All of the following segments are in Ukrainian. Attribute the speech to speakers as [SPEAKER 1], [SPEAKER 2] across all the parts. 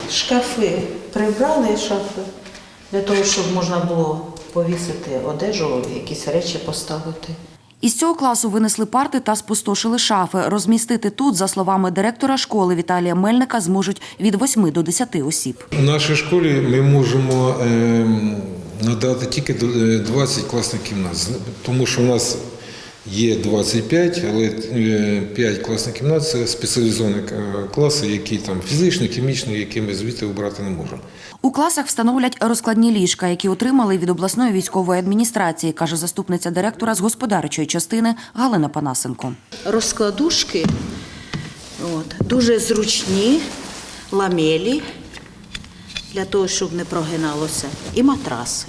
[SPEAKER 1] Шкафи прибрали, шафи, для того, щоб можна було повісити одежу, якісь речі поставити.
[SPEAKER 2] Із цього класу винесли парти та спустошили шафи. Розмістити тут, за словами директора школи Віталія Мельника, зможуть від 8 до 10 осіб.
[SPEAKER 3] У нашій школі ми можемо надати тільки 20 класних кімнат, тому що у нас є 25, але 5 класних кімнат – це спеціалізовані класи, які там фізичні, хімічні, які ми звідти обрати не можемо.
[SPEAKER 2] У класах встановлять розкладні ліжка, які отримали від обласної військової адміністрації, каже заступниця директора з господарчої частини Галина Панасенко.
[SPEAKER 1] Розкладушки дуже зручні, ламелі, для того, щоб не прогиналося, і матраси.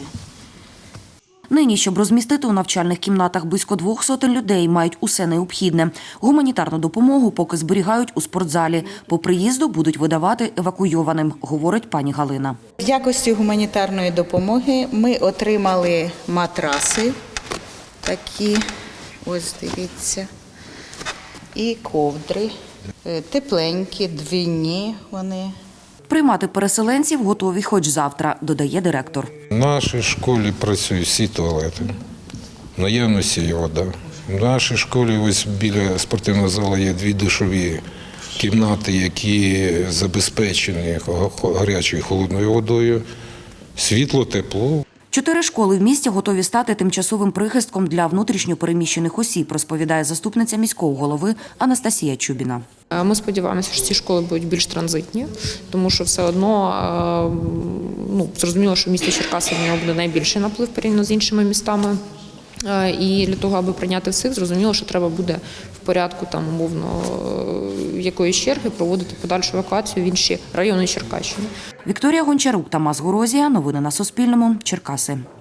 [SPEAKER 2] Нині, щоб розмістити у навчальних кімнатах близько 200 людей, мають усе необхідне. Гуманітарну допомогу поки зберігають у спортзалі. По приїзду будуть видавати евакуйованим, говорить пані Галина.
[SPEAKER 4] В якості гуманітарної допомоги ми отримали матраси, такі, ось дивіться, і ковдри, тепленькі, двійні вони.
[SPEAKER 2] Приймати переселенців готові хоч завтра, додає директор.
[SPEAKER 3] В нашій школі працюють всі туалети, в наявності є вода. В нашій школі ось біля спортивного залу є 2 душові кімнати, які забезпечені гарячою і холодною водою, світло, тепло.
[SPEAKER 2] 4 школи в місті готові стати тимчасовим прихистком для внутрішньо переміщених осіб, розповідає заступниця міського голови Анастасія Чубіна.
[SPEAKER 5] Ми сподіваємося, що ці школи будуть більш транзитні, тому що все одно, зрозуміло, що в місті Черкаси в нього буде найбільший наплив порівняно з іншими містами. І для того, аби прийняти всіх, зрозуміло, що треба буде в порядку умовно якоїсь черги проводити подальшу евакуацію в інші райони Черкащини.
[SPEAKER 2] Вікторія Гончарук, Тамас Горозія. Новини на Суспільному. Черкаси.